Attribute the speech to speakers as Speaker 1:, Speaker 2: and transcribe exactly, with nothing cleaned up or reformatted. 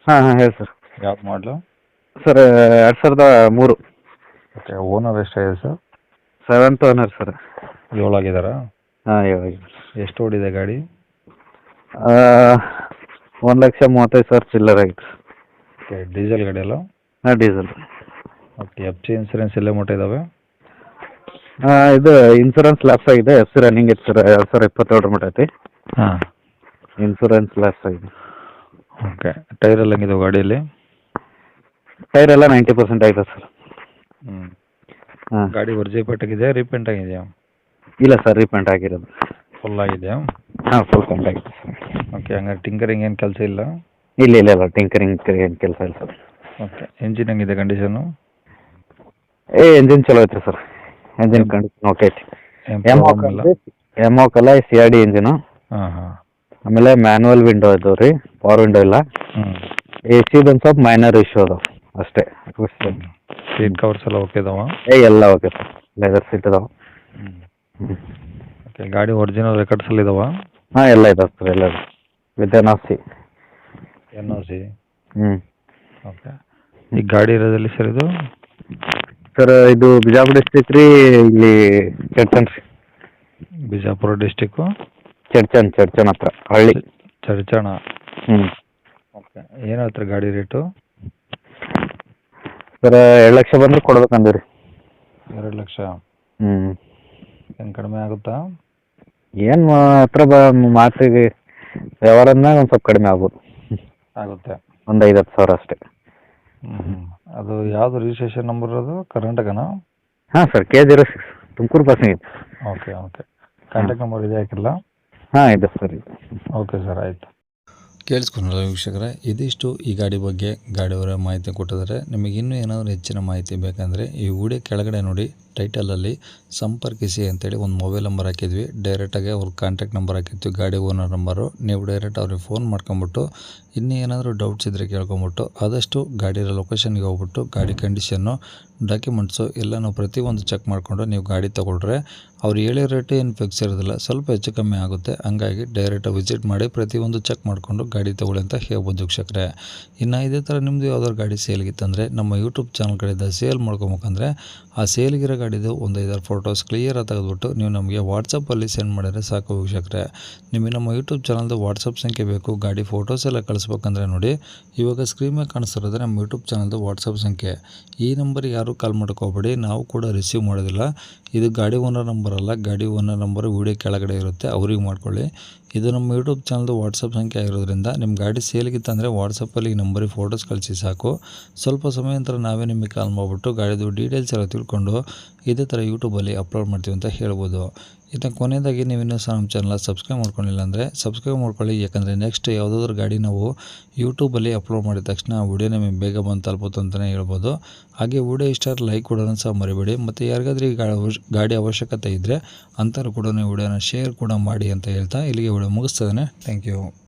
Speaker 1: ಹಾಂ ಹಾಂ ಹೇಳಿ ಸರ್.
Speaker 2: ಯಾವ್ದು ಮಾಡಲು?
Speaker 1: ಸರ್ ಎರಡು ಸಾವಿರದ ಮೂರು.
Speaker 2: ಓಕೆ, ಓನರ್ ಎಷ್ಟಾಗಿದೆ ಸರ್?
Speaker 1: Seventh owner sir.
Speaker 2: ಏಳಾಗಿದ್ದಾರಾ?
Speaker 1: ಹಾಂ ಏಳು.
Speaker 2: ಎಷ್ಟು ಓಡಿದೆ ಗಾಡಿ?
Speaker 1: ಒಂದು ಲಕ್ಷ ಮೂವತ್ತೈದು ಸಾವಿರ ಚಿಲ್ಲರ್ ಆಗಿತ್ತು.
Speaker 2: ಓಕೆ, ಡೀಸೆಲ್ ಗಾಡಿ ಅಲ್ಲ?
Speaker 1: ಹಾಂ diesel.
Speaker 2: Okay, F C insurance ಎಲ್ಲ ಮಟ್ಟ ಇದ್ದಾವೆ?
Speaker 1: ಹಾಂ ಇದು ಇನ್ಸೂರೆನ್ಸ್ ಲ್ಯಾಪ್ಸ್ ಆಗಿದೆ. ಎಫ್ ಸಿ ರನ್ನಿಂಗ್ ಇತ್ತು ಸರ್, ಎರಡು ಸಾವಿರ ಇಪ್ಪತ್ತೇಳರ ಮಟ್ಟ ಐತಿ.
Speaker 2: ಹಾಂ.
Speaker 1: ಇನ್ಸೂರೆನ್ಸ್ ಲ್ಯಾಪ್ಸ್ ಆಗಿದೆ.
Speaker 2: ಓಕೆ, ಟೈರ್ ಎಲ್ಲ ಹೆಂಗಿದಾವೆ ಗಾಡಿಯಲ್ಲಿ?
Speaker 1: ಟೈರ್ ಎಲ್ಲ ನೈಂಟಿ ಪರ್ಸೆಂಟ್ ಆಗಿದೆ ಸರ್.
Speaker 2: ಹ್ಞೂ.
Speaker 1: ಹಾಂ.
Speaker 2: ಗಾಡಿ ಒರ್ಜಿಪೇಟ್ ಆಗಿದೆಯಾ, ರೀಪೇಂಟ್ ಆಗಿದೆಯಾ?
Speaker 1: ಇಲ್ಲ ಸರ್, ರೀಪೇಂಟ್ ಆಗಿರೋದು.
Speaker 2: ಫುಲ್ ಆಗಿದೆಯಾ?
Speaker 1: ಹಾಂ ಫುಲ್ ಕಂಪ್ಲೀಟ್ ಆಗಿದೆ ಸರ್.
Speaker 2: ಓಕೆ, ಹಂಗಾರೆ ಟಿಂಕರಿಂಗ್ ಏನು ಕೆಲಸ ಇಲ್ಲ?
Speaker 1: ಇಲ್ಲ ಇಲ್ಲ ಇಲ್ಲ ಟಿಂಕರಿಂಗ್ ಏನು ಕೆಲಸ ಇಲ್ಲ ಸರ್.
Speaker 2: ಓಕೆ, ಇಂಜಿನ್ ಹೆಂಗಿದೆ ಕಂಡೀಷನು?
Speaker 1: ಏ ಎಂಜಿನ್ ಚಲೋ ಐತ್ರಿ ಸರ್. ಎಂಜಿನ್ ಕಂಡೀಷನ್ ಓಕೆ ಐತಿ.
Speaker 2: ಏನು
Speaker 1: ಎಮೋ
Speaker 2: ಪ್ರಾಬ್ಲಮ್ ಇಲ್ಲ?
Speaker 1: ಎಮೋ ಕಲ ಸಿ ಆರ್ ಡಿ ಇಂಜಿನು.
Speaker 2: ಹಾಂ ಹಾಂ.
Speaker 1: ಆಮೇಲೆ ಮ್ಯಾನುವಲ್ ವಿಂಡೋ ಇದಾವೆ ರೀ, ಪವರ್ ವಿಂಡೋ ಇಲ್ಲ.
Speaker 2: ಹ್ಞೂ.
Speaker 1: ಎ ಸಿದು ಒಂದು ಸ್ವಲ್ಪ ಮೈನರ್ ಇಶ್ಯೂ ಅದಾವೆ ಅಷ್ಟೇ.
Speaker 2: ಸೀಟ್ ಕವರ್ಸ್ ಎಲ್ಲ ಓಕೆ ಇದಾವ?
Speaker 1: ಏ ಎಲ್ಲ ಓಕೆ ಸರ್, ಲೆದರ್ ಸೀಟ್ ಇದಾವೆ.
Speaker 2: ಹ್ಞೂ.
Speaker 1: ಹ್ಞೂ.
Speaker 2: ಓಕೆ, ಗಾಡಿ ಒರಿಜಿನಲ್ ರೆಕಾರ್ಡ್ಸ್ ಎಲ್ಲ ಇದಾವ?
Speaker 1: ಹಾಂ ಎಲ್ಲ ಇದಾವೆ ಸರ್, ಎಲ್ಲ with N of C.
Speaker 2: N O C?
Speaker 1: ಹ್ಞೂ.
Speaker 2: ಓಕೆ, ಈ ಗಾಡಿ ಇರೋದಲ್ಲಿ ಸರ್ ಇದು?
Speaker 1: ಸರ್ ಇದು ಬಿಜಾಪುರ ಡಿಸ್ಟ್ರಿಕ್ ರೀ, ಇಲ್ಲಿ ಚಡ್ಚನ್ ರೀ.
Speaker 2: ಬಿಜಾಪುರ ಡಿಸ್ಟಿಕ್ಕು
Speaker 1: ಚಡ್ಚನ್ ಚಡ್ಚನ್ ಹತ್ರ ಹಳ್ಳಿ.
Speaker 2: ಚರ್ಚಣ.
Speaker 1: ಹ್ಞೂ.
Speaker 2: ಓಕೆ, ಏನು ಹೇಳ್ತಾರೆ ಗಾಡಿ ರೇಟು?
Speaker 1: ಸರ್ ಎರಡು ಲಕ್ಷ ಬಂದ್ರೆ ಕೊಡ್ಬೇಕಂದ್ರಿ.
Speaker 2: ಎರಡು ಲಕ್ಷ?
Speaker 1: ಹ್ಞೂ.
Speaker 2: ಏನು ಕಡಿಮೆ ಆಗುತ್ತಾ?
Speaker 1: ಏನು ಹತ್ರ ಬ ಮಾತಿಗೆ ವ್ಯವಹಾರದ್ನಾಗ ಒಂದು ಸ್ವಲ್ಪ ಕಡಿಮೆ ಆಗ್ಬೋದು.
Speaker 2: ಆಗುತ್ತೆ.
Speaker 1: ಒಂದು ಐದು ಹತ್ತು ಸಾವಿರ ಅಷ್ಟೇ.
Speaker 2: ಹ್ಞೂ ಹ್ಞೂ. ಅದು ಯಾವುದು ರಿಜಿಸ್ಟ್ರೇಷನ್ ನಂಬರ್ ಅದು, ಕರ್ನಾಟಕನಾ?
Speaker 1: ಹಾಂ sir, K zero six Tumkur passing ಐತೆ.
Speaker 2: ಓಕೆ ಓಕೆ, ಕಾಂಟ್ಯಾಕ್ಟ್ ನಂಬರ್ ಇದೆ ಹಾಕಿರಲ್ಲ?
Speaker 1: ಹಾಂ ಇದೆ ಸರ್ ಇದೆ.
Speaker 2: ಓಕೆ ಸರ್, ಆಯಿತು.
Speaker 3: ಕೇಳಿಸ್ಕೊಂಡ್ರಲ್ಲ ವೀಕ್ಷಕರೇ, ಇದಿಷ್ಟು ಈ ಗಾಡಿ ಬಗ್ಗೆ ಗಾಡಿಯವರ ಮಾಹಿತಿ ಕೊಟ್ಟಿದ್ದಾರೆ. ನಿಮಗೆ ಇನ್ನೂ ಏನಾದರೂ ಹೆಚ್ಚಿನ ಮಾಹಿತಿ ಬೇಕಂದರೆ ಈ ವಿಡಿಯೋ ಕೆಳಗಡೆ ನೋಡಿ, ಟೈಟಲಲ್ಲಿ ಸಂಪರ್ಕಿಸಿ ಅಂತೇಳಿ ಒಂದು ಮೊಬೈಲ್ ನಂಬರ್ ಹಾಕಿದ್ವಿ. ಡೈರೆಕ್ಟಾಗಿ ಅವ್ರ ಕಾಂಟ್ಯಾಕ್ಟ್ ನಂಬರ್ ಹಾಕಿರ್ತೀವಿ, ಗಾಡಿ ಓನರ್ ನಂಬರು. ನೀವು ಡೈರೆಕ್ಟ್ ಅವ್ರಿಗೆ ಫೋನ್ ಮಾಡ್ಕೊಂಬಿಟ್ಟು ಇನ್ನೂ ಏನಾದರೂ ಡೌಟ್ಸ್ ಇದ್ದರೆ ಕೇಳ್ಕೊಂಬಿಟ್ಟು ಆದಷ್ಟು ಗಾಡಿಯ ಲೊಕೇಶನ್ಗೆ ಹೋಗ್ಬಿಟ್ಟು ಗಾಡಿ ಕಂಡೀಷನ್ನು, ಡಾಕ್ಯುಮೆಂಟ್ಸು ಎಲ್ಲನೂ ಪ್ರತಿಯೊಂದು ಚೆಕ್ ಮಾಡಿಕೊಂಡು ನೀವು ಗಾಡಿ ತೊಗೊಳ್ರೆ ಅವ್ರು ಹೇಳೋ ರೇಟು ಏನು ಫಿಕ್ಸ್ ಇರೋದಿಲ್ಲ, ಸ್ವಲ್ಪ ಹೆಚ್ಚು ಕಮ್ಮಿ ಆಗುತ್ತೆ. ಹಂಗಾಗಿ ಡೈರೆಕ್ಟಾಗಿ ವಿಸಿಟ್ ಮಾಡಿ ಪ್ರತಿಯೊಂದು ಚೆಕ್ ಮಾಡಿಕೊಂಡು ಗಾಡಿ ತೊಗೊಳ್ಳಿ ಅಂತ ಹೇಳ್ಬೋದು ವೀಕ್ಷಕರೇ. ಇನ್ನು ಇದೇ ಥರ ನಿಮ್ಮದು ಯಾವ್ದಾದ್ರು ಗಾಡಿ ಸೇಲ್ಗಿತ್ತಂದರೆ ನಮ್ಮ ಯೂಟ್ಯೂಬ್ ಚಾನಲ್ ಕಡೆಯಿಂದ ಸೇಲ್ ಮಾಡ್ಕೊಬೇಕಂದ್ರೆ ಆ ಸೇಲ್ಗಿರೋ ಗಾಡಿದು ಒಂದು ಐದಾರು ಫೋಟೋಸ್ ಕ್ಲಿಯರಾಗಿ ತೆಗೆದುಬಿಟ್ಟು ನೀವು ನಮಗೆ ವಾಟ್ಸಪ್ಪಲ್ಲಿ ಸೆಂಡ್ ಮಾಡಿದರೆ ಸಾಕು ವೀಕ್ಷಕರೇ. ನಿಮಗೆ ನಮ್ಮ ಯೂಟ್ಯೂಬ್ ಚಾನಲ್ದು ವಾಟ್ಸಪ್ ಸಂಖ್ಯೆ ಬೇಕು, ಗಾಡಿ ಫೋಟೋಸ್ ಎಲ್ಲ ಕಳಿಸ್ಬೇಕಂದ್ರೆ ನೋಡಿ, ಇವಾಗ ಸ್ಕ್ರೀನ್ ಮೇಲೆ ಕಾಣಿಸ್ತಿರೋದು ನಮ್ಮ ಯೂಟ್ಯೂಬ್ ಚಾನಲ್ದು ವಾಟ್ಸಪ್ ಸಂಖ್ಯೆ. ಈ ನಂಬರಿಗೆ ಯಾರೂ ಕಾಲ್ ಮಾಡೋಕ್ಕೋಗ್ಬೇಡಿ, ನಾವು ಕೂಡ ರಿಸೀವ್ ಮಾಡೋದಿಲ್ಲ. ಇದು ಗಾಡಿ ಓನರ್ ನಂಬರ್ ಅಲ್ಲ, ಗಾಡಿ ಓನರ್ ನಂಬರು ವೀಡಿಯೋ ಕೆಳಗಡೆ ಇರುತ್ತೆ, ಅವ್ರಿಗೆ ಮಾಡ್ಕೊಳ್ಳಿ. ಇದು ನಮ್ಮ ಯೂಟ್ಯೂಬ್ ಚಾನಲ್ದು ವಾಟ್ಸಪ್ ಸಂಖ್ಯೆ ಆಗಿರೋದ್ರಿಂದ ನಿಮ್ಮ ಗಾಡಿ ಸೇಲ್ಗಿತ್ತಂದರೆ ವಾಟ್ಸಪ್ಪಲ್ಲಿ ಈ ನಂಬರಿಗೆ ಫೋಟೋಸ್ ಕಳಿಸಿ ಸಾಕು. ಸ್ವಲ್ಪ ಸಮಯ ನಂತರ ನಾವೇ ನಿಮಗೆ ಕಾಲ್ ಮಾಡಿಬಿಟ್ಟು ಗಾಡಿದು ಡೀಟೇಲ್ಸ್ ಎಲ್ಲ ತಿಳ್ಕೊಂಡು ಇದೇ ಥರ ಯೂಟ್ಯೂಬಲ್ಲಿ ಅಪ್ಲೋಡ್ ಮಾಡ್ತೀವಿ ಅಂತ ಹೇಳ್ಬೋದು. ಇನ್ನು ಕೊನೆಯದಾಗಿ ನೀವು ಇನ್ನೂ ಸಹ ನಮ್ಮ ಚಾನಲ್ ಸಬ್ಸ್ಕ್ರೈಬ್ ಮಾಡ್ಕೊಂಡಿಲ್ಲ ಅಂದರೆ ಸಬ್ಸ್ಕ್ರೈಬ್ ಮಾಡ್ಕೊಳ್ಳಿ. ಯಾಕಂದರೆ ನೆಕ್ಸ್ಟ್ ಯಾವುದಾದ್ರೂ ಗಾಡಿ ನಾವು ಯೂಟ್ಯೂಬಲ್ಲಿ ಅಪ್ಲೋಡ್ ಮಾಡಿದ ತಕ್ಷಣ ಆ ವಿಡಿಯೋ ನಿಮಗೆ ಬೇಗ ಬಂದು ತಲುಪುತ್ತೆ ಅಂತಲೇ ಹೇಳ್ಬೋದು. ಹಾಗೆ ವಿಡಿಯೋ ಇಷ್ಟ ಲೈಕ್ ಕೊಡೋದನ್ನು ಸಹ ಮರಿಬೇಡಿ. ಮತ್ತು ಯಾರಿಗಾದ್ರೂ ಈ ಗಾಡಿ ಅವಶ್ಯಕತೆ ಇದ್ದರೆ ಅಂಥವ್ರು ಕೂಡ ವಿಡಿಯೋನ ಶೇರ್ ಕೂಡ ಮಾಡಿ ಅಂತ ಹೇಳ್ತಾ ಇಲ್ಲಿಗೆ ವಿಡಿಯೋ ಮುಗಿಸ್ತದೆ. Thank you.